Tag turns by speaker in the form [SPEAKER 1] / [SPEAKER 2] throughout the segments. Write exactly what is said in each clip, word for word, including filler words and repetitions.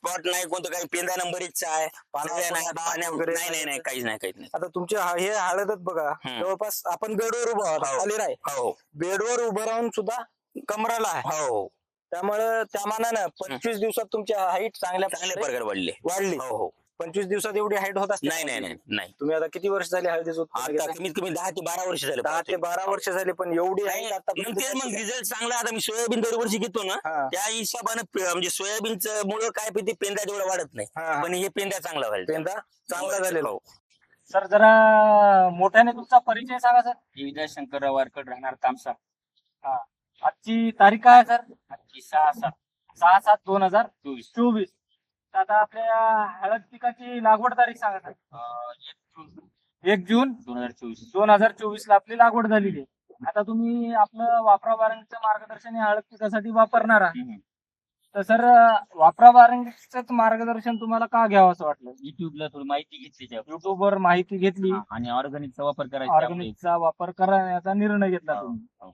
[SPEAKER 1] Spot नाही, कोणतं काही पेंदा नंबर एकचा आहे, पाण्याला नाही, पाण्या वगैरे नाही नाही नाही काहीच नाही काहीच नाही.
[SPEAKER 2] आता तुमची हा- हे हळदच बघा,
[SPEAKER 1] हम्म.
[SPEAKER 2] जवळपास आपण बेडवर उभं आहोत,
[SPEAKER 1] हो.
[SPEAKER 2] खाली नाही,
[SPEAKER 1] हो
[SPEAKER 2] बेडवर उभं राहून सुद्धा कमराला आहे.
[SPEAKER 1] हो
[SPEAKER 2] त्यामुळे त्या मानानं पंचवीस दिवसात तुमची हाईट चांगल्या
[SPEAKER 1] चांगल्या
[SPEAKER 2] प्रकारे
[SPEAKER 1] प्रकारे वाढले.
[SPEAKER 2] वाढली.
[SPEAKER 1] हो हो
[SPEAKER 2] पंचवीस दिवसात एवढी हाईट होत असते?
[SPEAKER 1] नाही नाही नाही नाही
[SPEAKER 2] तुम्ही आता किती वर्ष झाली हळदीचं उत्पन्न
[SPEAKER 1] आता
[SPEAKER 2] घेताय?
[SPEAKER 1] कमीत कमी दहा ते बारा वर्ष झाले.
[SPEAKER 2] दहा ते बारा वर्ष झाली, पण एवढी
[SPEAKER 1] नाही,
[SPEAKER 2] हाईट
[SPEAKER 1] मग तेच मग
[SPEAKER 2] आता
[SPEAKER 1] रिझल्ट चांगला. आता मी सोयाबीन दरवर्षी घेतो ना,
[SPEAKER 2] हा.
[SPEAKER 1] त्या हिशोबानं पे- म्हणजे सोयाबीनचं मुळे काय ते पेंदा तेवढा वाढत नाही,
[SPEAKER 2] हा, हा.
[SPEAKER 1] पण हे पेंदा चांगला व्हायला.
[SPEAKER 2] पेंदा चांगला झालेला.
[SPEAKER 1] हो.
[SPEAKER 3] सर जरा मोठ्याने तुमचा परिचय सांगा सर.
[SPEAKER 4] देवीदास शंकरराव वारकड, राहणार तामसा.
[SPEAKER 3] हा. आजची तारीख काय आहे सर?
[SPEAKER 4] आजची सहा सात
[SPEAKER 3] सहा सात दोन हजार
[SPEAKER 4] चोवीस
[SPEAKER 3] चोवीस. तर आता आपल्या हळद पिकाची लागवड तारीख सांगा सर.
[SPEAKER 4] अं, एक जून
[SPEAKER 3] एक जून
[SPEAKER 4] दोन हजार चोवीस.
[SPEAKER 3] दोन हजार चोवीस ला आपली लागवड झालेली आहे. आता तुम्ही आपलं वापरा बारांचं मार्गदर्शन या हळद पिकासाठी वापरणार आहात.
[SPEAKER 4] हम्म.
[SPEAKER 3] तर सर वापरा बारांचं मार्गदर्शन तुम्हाला का घ्यावं असं वाटलं?
[SPEAKER 4] युट्यूबला थोडी माहिती घेतली त्यावर.
[SPEAKER 3] युट्यूबवर माहिती घेतली
[SPEAKER 4] हा, आणि ऑर्गॅनिकचा वापर करायचा त्यामुळे.
[SPEAKER 3] ऑर्गॅनिकचा वापर करण्याचा निर्णय घेतला
[SPEAKER 4] हो,
[SPEAKER 3] तुम्ही.
[SPEAKER 4] हो.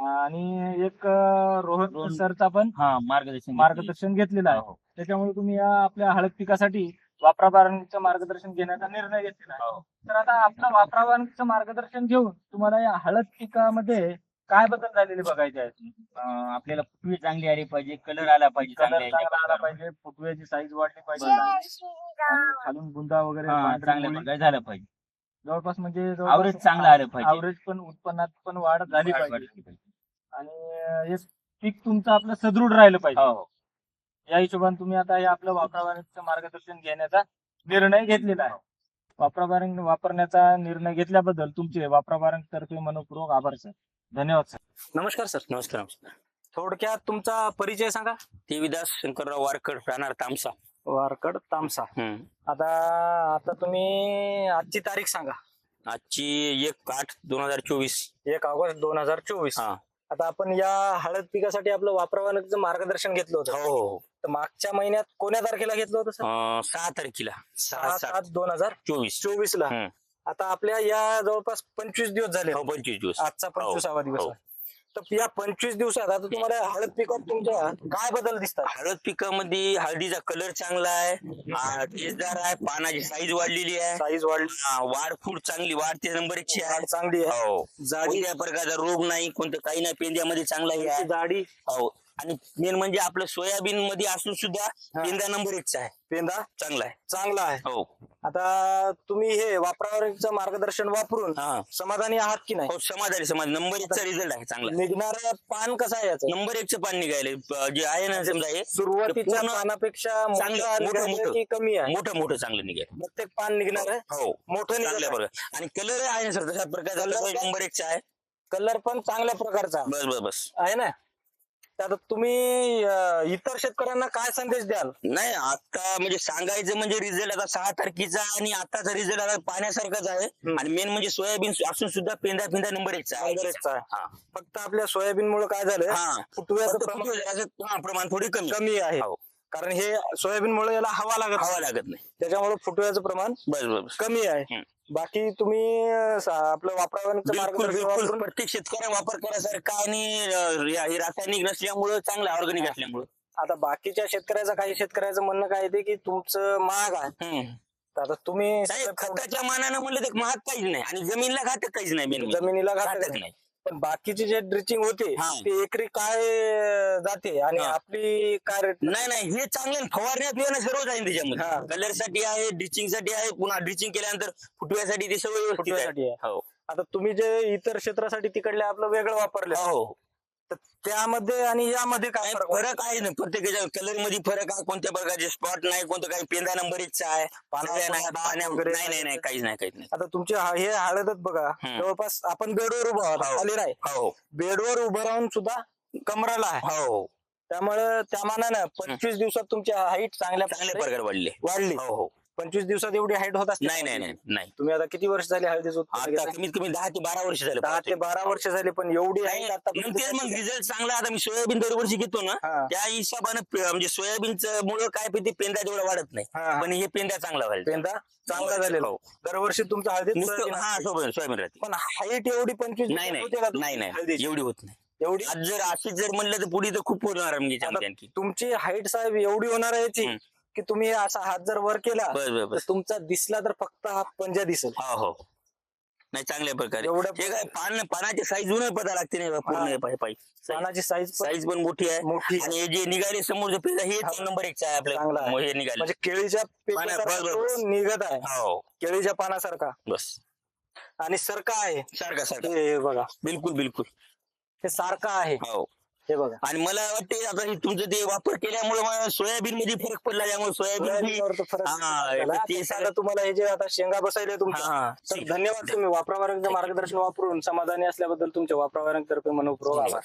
[SPEAKER 3] आणि एक अं, रोहन
[SPEAKER 4] रोहन-
[SPEAKER 3] सरचा पण
[SPEAKER 4] हा मार्गदर्शन
[SPEAKER 3] मार्गदर्शन घेतलेलं आहे.
[SPEAKER 4] हो,
[SPEAKER 3] त्याच्यामुळे तुम्ही या आपल्या हळद पिकासाठी वापरा बारांचं मार्गदर्शन घेण्याचा निर्णय घेतलेला आहे.
[SPEAKER 4] हो.
[SPEAKER 3] तर आता आपलं वापरा बारांचं मार्गदर्शन घेऊन तुम्हाला या हळद पिकामध्ये काय बदल झालेले बघायचे आहेत?
[SPEAKER 4] अं, आपल्याला फुटवी चांगली आली पाहिजे, कलर आला पाहिजे
[SPEAKER 3] कलर
[SPEAKER 4] चांगल्या
[SPEAKER 3] चांगला आला
[SPEAKER 4] ह्याच्या
[SPEAKER 3] पाहिजे, फुटव्याची साईज वाढली पाहिजे,
[SPEAKER 4] बरोबर.
[SPEAKER 3] आणि खालून बुंदा वगैरे
[SPEAKER 4] हा,
[SPEAKER 3] पांढरी
[SPEAKER 4] चांगल्या
[SPEAKER 3] मुळी
[SPEAKER 4] प्रकारे झालं पाहिजे.
[SPEAKER 3] जवळपास म्हणजे
[SPEAKER 4] Average चांगलं आलं पाहिजे.
[SPEAKER 3] अवरेज पण उत्पन्नात पण वाढ झाली
[SPEAKER 4] वाढ-
[SPEAKER 3] पाहिजे.
[SPEAKER 4] वाढली पाहिजे.
[SPEAKER 3] आणि हे पीक तुमचं आपलं सदृढ राहिलं पाहिजे.
[SPEAKER 4] हो, हो.
[SPEAKER 3] या हिशोबाने तुम्ही आता हे आपलं वापराबारंगचं मार्गदर्शन घेण्याचा निर्णय घेतलेला आहे. वापराबारंग वापरण्याचा निर्णय घेतल्याबद्दल तुमचे वापराबारंग तर्फे मनपूर्वक आभार सर. धन्यवाद सर.
[SPEAKER 2] नमस्कार सर.
[SPEAKER 1] नमस्कार नमस्कार.
[SPEAKER 2] थोडक्यात तुमचा परिचय सांगा.
[SPEAKER 1] देवीदास शंकरराव वारकड, राहणार तामसा.
[SPEAKER 2] वारकड तामसा.
[SPEAKER 1] हम्म.
[SPEAKER 2] आता आता तुम्ही आजची तारीख सांगा.
[SPEAKER 1] आजची एक आठ दोन हजार चोवीस.
[SPEAKER 2] एक ऑगस्ट दोन हजार चोवीस.
[SPEAKER 1] हा.
[SPEAKER 2] आता आपण या हळद पिकासाठी आपलं वापराबारंगचं मार्गदर्शन घेतलं
[SPEAKER 1] हो
[SPEAKER 2] होतं.
[SPEAKER 1] हो हो.
[SPEAKER 2] तर मागच्या महिन्यात कोण्या तारखेला घेतलं होतं सर?
[SPEAKER 1] अं, सहा तारखेला सहा
[SPEAKER 2] सहा
[SPEAKER 1] सात
[SPEAKER 2] सात दोन हजार
[SPEAKER 1] चोवीस.
[SPEAKER 2] चोवीस ला.
[SPEAKER 1] हम्म.
[SPEAKER 2] आता आपल्या या जवळपास पंचवीस दिवस झाले.
[SPEAKER 1] हो पंचवीस दिवस.
[SPEAKER 2] आजचा पंचवीसावा दिवस
[SPEAKER 1] हो.
[SPEAKER 2] आहे. तर या पंचवीस दिवसात आता तुम्हाला हळद पिकात तुमच्या काय बदल दिसतात?
[SPEAKER 1] हळद पिकामध्ये हळदीचा कलर चांगला आहे, आ, तेजदार आहे, पानाची साईज वाढलेली आहे,
[SPEAKER 2] साईज वाढ
[SPEAKER 1] आ, वाढ फूड चांगली वाढते नंबर एकची आहे.
[SPEAKER 2] वाढ चांगली आहे.
[SPEAKER 1] हो.
[SPEAKER 2] जाडी
[SPEAKER 1] कोणत्या प्रकारचा रोग नाही, कोणतं काही नाही, पेंद्यामध्ये चांगला हे आहे.
[SPEAKER 2] जाडी
[SPEAKER 1] हो. आणि मेन म्हणजे आपलं सोयाबीन मध्ये असून सुद्धा पेंदा नंबर एकचा आहे,
[SPEAKER 2] पेंदा
[SPEAKER 1] चांगला आहे.
[SPEAKER 2] चांगला आहे.
[SPEAKER 1] हो
[SPEAKER 2] आता तुम्ही हे वापरावरचं मार्गदर्शन वापरून
[SPEAKER 1] हा.
[SPEAKER 2] समाधानी आहात की नाही?
[SPEAKER 1] हो समाधानी समाधानी. नंबर एकचा रिझल्ट आहे चांगला.
[SPEAKER 2] निघणार पान कसं आहे याचं?
[SPEAKER 1] नंबर एकचं पान निघायले जे आहे ना समजा हे
[SPEAKER 2] सुरुवातीच्या
[SPEAKER 1] पूर्ण
[SPEAKER 2] पानापेक्षा
[SPEAKER 1] चांगलं,
[SPEAKER 2] मोठं
[SPEAKER 1] मोठं,
[SPEAKER 2] निघालं
[SPEAKER 1] मोठं.
[SPEAKER 2] की कमी आहे?
[SPEAKER 1] मोठं मोठं चांगलं निघेल.
[SPEAKER 2] प्रत्येक पान निघणार आहे.
[SPEAKER 1] हो
[SPEAKER 2] मोठं
[SPEAKER 1] चांगल्या
[SPEAKER 2] निघालं.
[SPEAKER 1] बरोबर. आणि कलर आहे ना सर तशा प्रकारचा
[SPEAKER 2] Colour
[SPEAKER 1] कलर
[SPEAKER 2] काय?
[SPEAKER 1] नंबर एकचा आहे.
[SPEAKER 2] कलर पण चांगल्या प्रकारचा
[SPEAKER 1] बस बस बस.
[SPEAKER 2] आहे ना. तर आता तुम्ही अं, इतर शेतकऱ्यांना काय संदेश द्याल?
[SPEAKER 1] नाही आता म्हणजे सांगायचं म्हणजे रिझल्ट आता सहा तारखेचा आणि आताचा रिझल्ट आता पाहण्यासारखाच आहे. आणि मेन म्हणजे सोयाबीन असून सुद्धा पेंदा पेंदा नंबर एकचा आहे.
[SPEAKER 2] नंबर एकचा आहे.
[SPEAKER 1] हा.
[SPEAKER 2] फक्त आपल्या सोयाबीन मुळे काय झालं?
[SPEAKER 1] हा.
[SPEAKER 2] फुटव्याचं
[SPEAKER 1] फक्त
[SPEAKER 2] प्रमाण
[SPEAKER 1] फुटव्याचं, हा, प्रमाण थोडी कमी
[SPEAKER 2] कमी आहे.
[SPEAKER 1] हो.
[SPEAKER 2] कारण हे सोयाबीन मुळे याला हवा लागत
[SPEAKER 1] हवा
[SPEAKER 2] नाही.
[SPEAKER 1] लागत नाही.
[SPEAKER 2] त्याच्यामुळे फुटव्याचं प्रमाण
[SPEAKER 1] बस बस बस.
[SPEAKER 2] कमी आहे.
[SPEAKER 1] हम्म.
[SPEAKER 2] बाकी तुम्ही अं, सा- आपलं वापरावरचं
[SPEAKER 1] बिलकुल
[SPEAKER 2] मार्गदर्शन
[SPEAKER 1] बिलकुल
[SPEAKER 2] वापरून
[SPEAKER 1] प्रत्येक शेतकऱ्या वापर करायसारखा आणि अं, हे हे रासायनिक नसल्यामुळं चांगलं ऑर्गॅनिक असल्यामुळं.
[SPEAKER 2] आता बाकीच्या शेतकऱ्याचं काही शेतकऱ्याचं म्हणणं काय येते की तुमचं महाग आहे.
[SPEAKER 1] हम्म.
[SPEAKER 2] तर आता तुम्ही
[SPEAKER 1] नाही, खताच्या मानानं म्हणलं तर महाग काहीच नाही आणि जमीनला घातक काहीच नाही मेन
[SPEAKER 2] जमिनीला घातक
[SPEAKER 1] घातक
[SPEAKER 2] नाही.
[SPEAKER 1] नाही.
[SPEAKER 2] पण बाकीची जे ड्रिचिंग होते
[SPEAKER 1] हा.
[SPEAKER 2] ते एकरी काय अं, जाते आणि
[SPEAKER 1] हा.
[SPEAKER 2] आपली काय रेट?
[SPEAKER 1] नाही नाही हे चांगलं फवारण्यात येणं सर्वच आहे
[SPEAKER 2] हा.
[SPEAKER 1] त्याच्यामध्ये. कलर साठी आहे, ड्रिचिंग साठी आहे, पुन्हा ड्रिचिंग केल्यानंतर फुटव्यासाठी ते सगळं व्यवस्थित
[SPEAKER 2] फुटव्यासाठी
[SPEAKER 1] आहे.
[SPEAKER 2] आहे.
[SPEAKER 1] हो
[SPEAKER 2] आता तुम्ही जे इतर क्षेत्रासाठी तिकडले आपलं वेगळं वापरले,
[SPEAKER 1] हो.
[SPEAKER 2] तर त्यामध्ये आणि यामध्ये काय
[SPEAKER 1] नाही,
[SPEAKER 2] फरक वाटतो?
[SPEAKER 1] फरक आहे ना प्रत्येकाच्या कलर मध्ये फरक आहे. कोणत्या प्रकारचे स्पॉट नाही, कोणतं काही पेंदा नंबर एकचा आहे, पाण्याला नाही, पाण्या वगैरे नाही नाही नाही काहीच नाही काहीच नाही.
[SPEAKER 2] आता तुमची हा- हे हळदच बघा,
[SPEAKER 1] हम्म.
[SPEAKER 2] जवळपास आपण बेडवर उभं आहोत,
[SPEAKER 1] हो.
[SPEAKER 2] खाली नाही,
[SPEAKER 1] हो
[SPEAKER 2] बेडवर उभं राहून सुद्धा कमराला आहे.
[SPEAKER 1] हो
[SPEAKER 2] त्यामुळे त्या मानानं पंचवीस दिवसात तुमची हाईट चांगल्या
[SPEAKER 1] चांगल्या
[SPEAKER 2] प्रकारे
[SPEAKER 1] प्रकारे वाढले.
[SPEAKER 2] वाढली.
[SPEAKER 1] हो हो.
[SPEAKER 2] पंचवीस दिवसात एवढी हाईट होत असते?
[SPEAKER 1] नाही नाही नाही नाही.
[SPEAKER 2] तुम्ही आता किती वर्ष झाली हळदीचं उत्पन्न
[SPEAKER 1] आता
[SPEAKER 2] घेताय?
[SPEAKER 1] कमीत कमी दहा ते बारा वर्ष झाले.
[SPEAKER 2] दहा ते बारा वर्ष झाली, पण एवढी हाईट आता
[SPEAKER 1] मग तेच मग रिझल्ट चांगला. आता मी सोयाबीन दरवर्षी घेतो ना,
[SPEAKER 2] हा.
[SPEAKER 1] त्या हिशोबानं पे- म्हणजे सोयाबीनचं मुळे काय ते पेंदा तेवढा वाढत नाही,
[SPEAKER 2] हा, हा.
[SPEAKER 1] पण हे पेंदा चांगला व्हायला.
[SPEAKER 2] पेंदा चांगला झालेला.
[SPEAKER 1] हो.
[SPEAKER 2] दरवर्षी तुमच्या हळदीत
[SPEAKER 1] नुसतं
[SPEAKER 2] सोयाबीन
[SPEAKER 1] हा
[SPEAKER 2] असते.
[SPEAKER 1] सोयाबीन सोयाबीन राहते.
[SPEAKER 2] पण हाईट एवढी पंचवीस
[SPEAKER 1] नाही नाही
[SPEAKER 2] होते का
[SPEAKER 1] नाही नाही
[SPEAKER 2] हळदीची?
[SPEAKER 1] एवढी होत नाही.
[SPEAKER 2] एवढी
[SPEAKER 1] आज जर अशीच जर म्हणलं तर पुढे तर खूप होणार आहे म्हणजे
[SPEAKER 2] आता
[SPEAKER 1] याच्यामध्ये आणखी.
[SPEAKER 2] तुमची हाईट साहेब एवढी होणार आहे याची,
[SPEAKER 1] हम्म.
[SPEAKER 2] की तुम्ही असा हात जर वर केला
[SPEAKER 1] बस बस
[SPEAKER 2] तर
[SPEAKER 1] बस
[SPEAKER 2] तुमचा दिसला तर फक्त हा पंजा दिसेल.
[SPEAKER 1] हो हो नाही चांगल्या प्रकारे
[SPEAKER 2] एवढं
[SPEAKER 1] हे काय पान पानाची साईज उन्हा पता लागते नाही बा, पूर्ण
[SPEAKER 2] हा.
[SPEAKER 1] हे पाय पाय
[SPEAKER 2] पानाची साईज
[SPEAKER 1] साईज पण मोठी आहे
[SPEAKER 2] मोठी आहे.
[SPEAKER 1] आणि हे जे निघाले समोर पेंदा हे
[SPEAKER 2] हा.
[SPEAKER 1] नंबर एक आहे
[SPEAKER 2] चांगला
[SPEAKER 1] आपलं
[SPEAKER 2] आहे.
[SPEAKER 1] हे निघाले
[SPEAKER 2] म्हणजे केळीच्या
[SPEAKER 1] पाना-
[SPEAKER 2] पेपरासारखा
[SPEAKER 1] बस, बस, बस.
[SPEAKER 2] तो निघत आहे,
[SPEAKER 1] हो
[SPEAKER 2] केळीच्या पानासारखा
[SPEAKER 1] बस
[SPEAKER 2] आणि सारखा आहे.
[SPEAKER 1] सारखा सारखा
[SPEAKER 2] हे बघा,
[SPEAKER 1] बिलकुल बिलकुल
[SPEAKER 2] हे सारखं आहे.
[SPEAKER 1] हो
[SPEAKER 2] हे बघा,
[SPEAKER 1] आणि मला वाटते आता हे तुमचं ते वापर केल्यामुळे मला सोयाबीन मध्ये फरक पडला त्यामुळे सोयाबीन ही-
[SPEAKER 2] सोयाबीनवर तो फरक
[SPEAKER 1] हा,
[SPEAKER 2] झाला.
[SPEAKER 1] ते
[SPEAKER 2] आता
[SPEAKER 1] सगळं-
[SPEAKER 2] तुम्हाला हे जे आता शेंगा बसायले तुमच्या,
[SPEAKER 1] हा,
[SPEAKER 2] तर धन्यवाद. तुम्ही वापरावरचं मार्गदर्शन वापरून समाधानी असल्याबद्दल तुमच्या वापरावरतर्फे मनपूर्वक आभार.